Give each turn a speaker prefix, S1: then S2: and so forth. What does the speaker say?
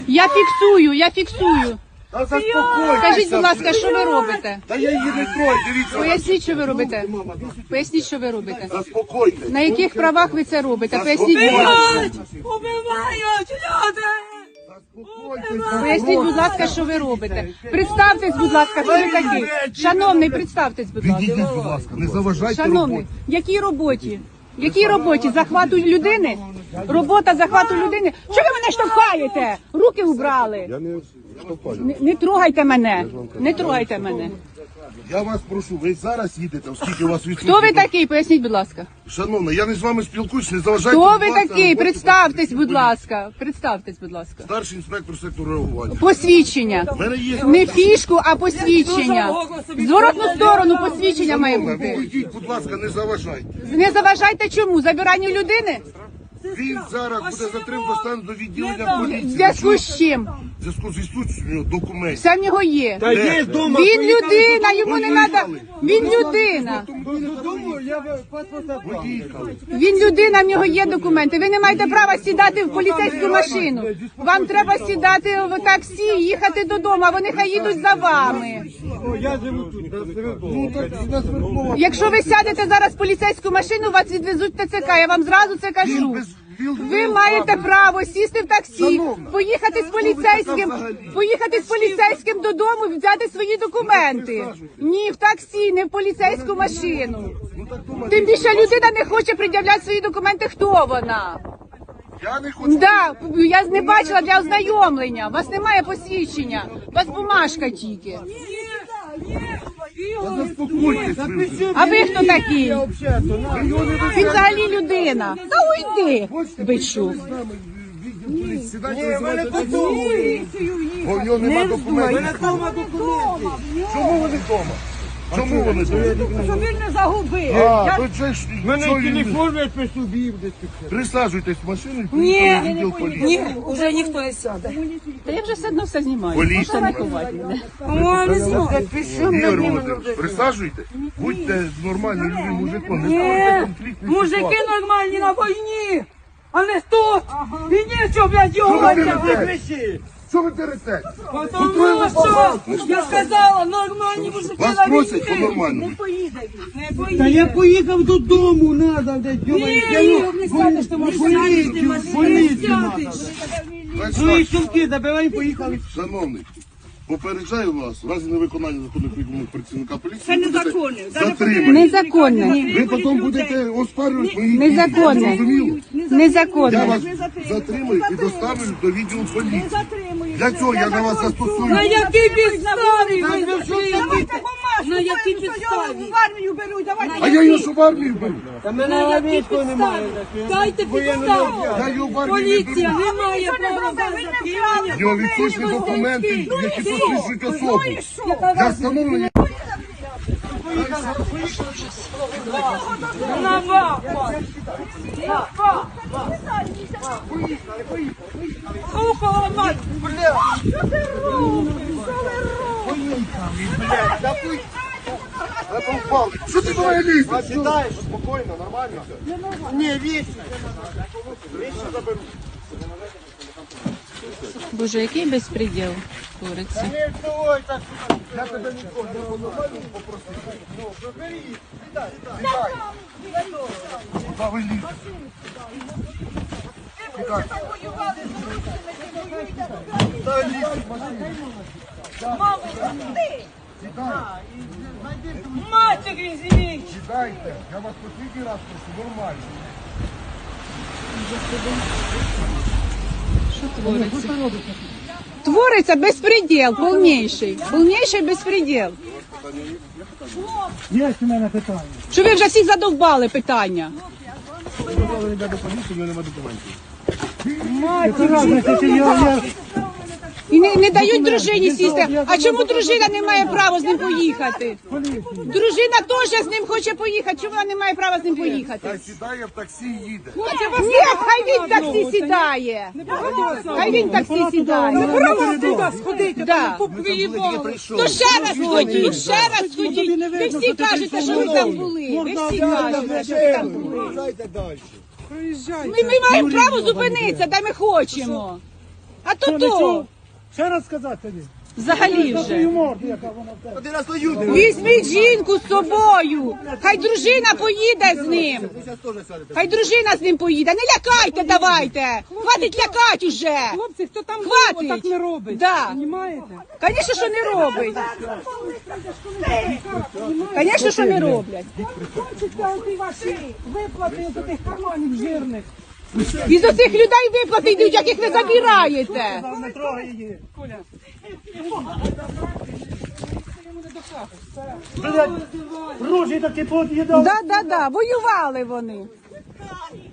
S1: Я фіксую.
S2: Та заспокойтеся.
S1: Скажіть, будь ласка, що ви робите?
S2: Та я її не трою, дивіться.
S1: Поясніть, що ви робите. Поясніть, що ви робите.
S2: Заспокойтесь.
S1: На яких правах ви це робите? Поясніть, будь ласка.
S3: Убивають люди!
S1: Поясніть, будь ласка, що ви робите. Представтесь, будь ласка, хто ви такий. Шановний, представтесь, будь ласка.
S2: Відійдіть, будь ласка, не заважайте
S1: Шановний,
S2: роботі.
S1: якій роботі? Якій роботі? Захвату людини? Робота захвату людини? Чого ви мене штовхаєте? Руки убрали.
S2: Я не штовхаю.
S1: Не трогайте мене. Не трогайте мене.
S2: Я вас прошу, ви зараз їдете, оскільки у вас відсутні.
S1: Хто ви такий? Поясніть, будь ласка.
S2: Шановна, я не з вами спілкуюсь, не заважайте.
S1: Хто
S2: будь
S1: ви
S2: ласка,
S1: такий?
S2: роботі
S1: Представтесь, будь
S2: поліції.
S1: ласка. Представтесь, будь ласка.
S2: Старший інспектор сектору реагування.
S1: Посвідчення.
S2: У мене є...
S1: Не фішку, а посвідчення. В зворотну сторону посвідчення має
S2: Шановна,
S1: бути.
S2: вийдіть, будь ласка, не заважайте.
S1: Не заважайте чому? Забиранню людини?
S2: Він зараз буде затриманий, доставлений до відділення
S1: В
S2: поліції.
S1: зв'язку з чим?
S2: В зв'язку з відсутністю документів.
S1: Все в нього є.
S2: Де?
S1: Він людина, йому не треба. Він людина.
S2: Поїхали.
S1: Він людина, в нього є документи. Ви не маєте права сідати в поліцейську машину. Вам треба сідати в таксі, їхати додому, а вони хай їдуть за вами. Якщо ви сядете зараз в поліцейську машину, вас відвезуть в ТЦК. Я вам зразу це кажу. Ви маєте право сісти в таксі, поїхати з поліцейським додому, взяти свої документи. Ні, в таксі, не в поліцейську машину. Тим більше людина не хоче пред'являти свої документи. Хто вона?
S2: Я не хочу.
S1: Да, я не бачила для ознайомлення. У вас немає посвідчення. У вас бумажка тільки.
S2: Заспокойтесь. ви.
S1: А ви хто такий? Він взагалі людина. Та уйди, бичу.
S2: Сідайте, бо в нього нема документів. Чому вони вдома? Чому вони вдома?
S3: Щоб він не загубив.
S2: А, то це ж...
S4: Мене
S2: що він-
S4: телефон не при собі.
S2: Присаджуйтесь в машину і поїхали в відділ поліції.
S3: Ні, вже ніхто не сяде.
S1: Та я вже все одно все знімаю.
S2: Поліція.
S1: Можете не ховати мене.
S3: О, не знаю.
S2: Ігор Володимирович, присаджуйте, будьте нормальним людям, мужиком, не ставайте конфліктні
S3: Мужики
S2: ситуації.
S3: нормальні на війні, а не тут. І нічого, блядь, його
S2: Що ви
S3: ганяти.
S2: дерете? Що ви дерете?
S3: Тому що, я сказала, нормальні мужики
S2: Вас
S3: на
S2: просять
S3: війні.
S2: по-нормальному.
S3: Не поїдуть.
S4: Та я поїхав додому, надо, де
S3: Ні, не сядеш, ти можеш сядеш,
S4: поліцію свої
S2: Значить,
S4: сумки забирай, поїхали.
S2: шановний, попереджаю вас, в разі невиконання законних вимог працівника поліції,
S3: Це
S2: ви будете
S3: незаконне.
S2: затримані.
S1: Незаконне.
S2: Ви потім будете оспарювати мої дії.
S1: Незаконне.
S2: Зрозуміло? Я
S1: Незаконне.
S2: вас затримаю і доставлю до відділу поліції. Для цього я на вас застосую.
S3: На якій підставі ви
S4: Давайте
S3: затримали?
S4: бумажку,
S3: На якій підставі?
S5: В армію беруть, давайте.
S2: А я його що в армію беру?
S4: Та
S3: На
S4: мене
S3: якій
S4: військо немає.
S3: підставі? Дайте підставу.
S2: Я його в армію не
S3: Поліція
S2: беру.
S3: не має права без затримання.
S2: В нього відсутні документи, які посвідчують особу.
S3: Яка
S2: Для
S3: вас
S2: встановлення
S3: на вас? Ухо ламать.
S2: Що ти до мене лізеш?
S4: Сідаєш, спокійно, нормально. Ні, вічно.
S1: Боже, який безпреділ твориться.
S4: Не вставай так.
S2: Я тебе ніколи не нормально попросив. Ну, забери. Сідай. Куди ви лізете? Сідай. Сідай, лізь в машину. Сідай.
S3: Матері зіміть.
S2: Сідайте. Я вас послідній раз прошу, нормально.
S1: Що твориться? Твориться безпреділ, повніший. Повніший безпреділ.
S4: Є у мене питання.
S1: Що ви вже всі задовбали питання?
S2: Дозволені до поліції, в мене немає документів.
S1: І не дають дружині сісти. А чому дружина не має права з ним поїхати? Дружина теж з ним хоче поїхати. Чому вона не має права з ним поїхати?
S2: Та сідає в таксі і їде.
S1: Ні, хай він в таксі сідає. Хай він в таксі сідає. Да. То ще раз ходіть, ще раз ходіть. Ви всі кажете, що ви там були. Ви всі кажете, що ви там були.
S4: Дайте далі.
S1: Ми маємо право зупинитися, де ми хочемо. А то то.
S5: Ще раз сказати тобі.
S1: Взагалі вже.
S5: Твою морду, яка вона в тебе.
S4: Один раз люди.
S1: Візьміть жінку з собою. Хай дружина поїде з ним. Хай дружина з ним поїде. Не лякайте, давайте. Хватить лякати уже.
S3: Хлопці, хто там
S1: Хватить.
S3: так не робить.
S1: Да.
S3: Понімаєте?
S1: Звісно, що не робить. Звісно, що не роблять.
S3: Хочете оті ваші виплати з тих карманів жирних.
S1: Із оцих людей виплати йдуть, яких ви забираєте.
S5: Не трогай її.
S3: Коля.
S5: Блядь, рожі такі поїдав.
S1: Да, воювали вони.